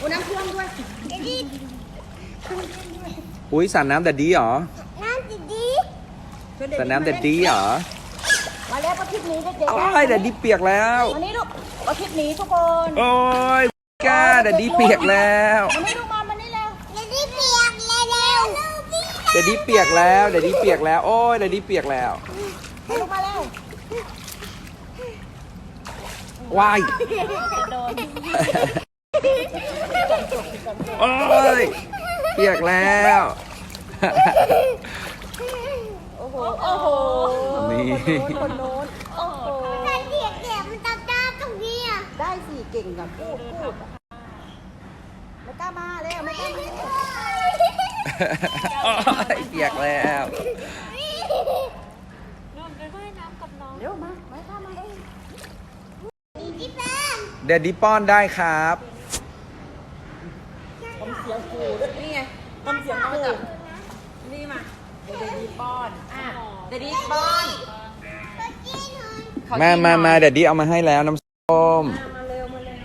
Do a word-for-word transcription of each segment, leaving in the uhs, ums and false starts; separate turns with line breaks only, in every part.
โอ้น้ำท่วมด้วยดิ
อุ้ยสระน้ำแดดดีเหรอ
น้ำดิดี
สระน้ำแดดดีเหรอ
มาแล้วประทิศนี้เด็กๆ
โอ้ยแดดดีเปียกแล้ว
วันนี้ลูกประทิศนี้ทุกคน
โอ้ยก้าแดดดีเปียกแล้ว
วันนี้ลูกมาวันนี้แล้วแดดดีเปียกแล้ว
แดดดีเปียกแล้วแดดดีเปียกแล้วโอ้ยแดดดีเปียกแล้ว
ลูกมาแล้ว
ว้ายโอ้ยเปียกแล้ว
โอ้โหโอ้โห
นี่
คนโน้นโอ้โหได้เปียกเปียกมันตาตาตรงนี้อ่ะได้สิเก่งกับพูดพูดไม่กล้ามาเลยไม่กล้ามา
โอ้ยเปียกแล้ว
เร็วมาไม่กล้ามาเลย
แดดดีป้อนได้ครับ
ทำเสียงกูนี่ไงทำเสียงกูนี่มาเดดี้ป้อนอ่ะเดดี้ป้อน
มามามาแดดดีเอามาให้แล้วน้ำส้ม
มาเร็วมาเร็ว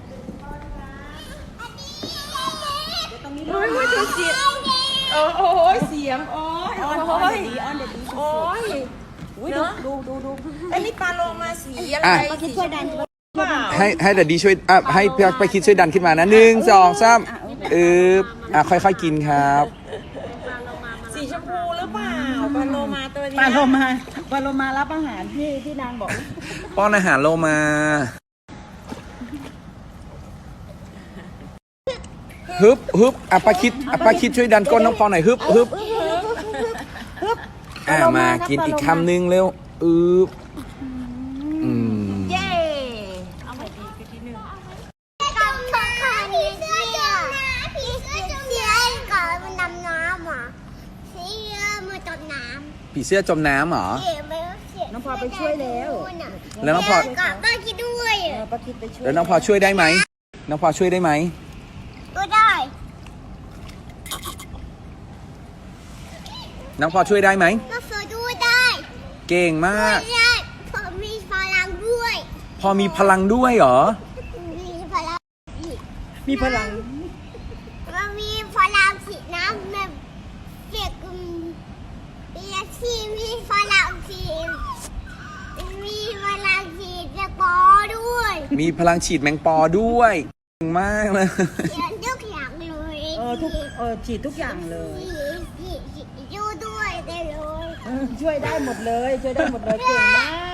โอ้ยโอ้ยเสียงโอ้ยเสียงโอ้ยโอ้ยโอ้ยโอ้ยดูดูดูดูไอ้นี่ปลาโลมาสีอะไรสีชมพู
ให้ให้แดดดีช่วยอ่ะให้พี่ไปคิดช่วยดันขึ้นมานะหนึ่งสองสามอึบอ่ะค่อยๆกินครับ
สีชมพูหรือเปล่าปลาโลมาตัวนี้
ปลาโลมาปลาโลมารับอาหารที่ที่นางบอก
ป้อนอาหารโลมาฮึบฮึบอ่ะป้าคิดอ่ะป้าคิดช่วยดันก้นน้องพอหน่อยฮึบฮึบอ่ะมากินอีกคำนึงเร็วอึบอืม
เย้เอาไปดีไปทีนึงกับขาผีเสื้อจมน้ำผีเสื้อจมน้ำก่อนมันดำน้ำอ่ะผีเสื้อมันจมน้ำ
ผีเสื้อจมน้ำเหรอ
น้องพอไปช่วยแล้ว
แล้วน้องพอ
กับป้าคิดด้วย
ป้าคิดไปช่วย
แล้วน้องพอช่วยได้ไหมน้องพอช่วยได้ไหม
ก็ได้
น้องพอช่วยได้ไหม
น้องพอช่วยได้
เก่งมาก
พอมีพลังด้วย
พอมีพลังด้วยเหรอ
มีพลัง
มีพลัง
มันมีพลังสีน้ำแบบเด็กมีอาชีพมีพลังสีมีพลังสีแมงปอด้วย
มีพลังฉีดแมงปอด้วยเก่งมากเลย
ทุกอย่างเลย
เออทุกเออฉีดทุกอย่างเลย
ช่วยด้วยได้เลย
ช่วยได้หมดเลยช่วยได้หมดเลยเก่งมาก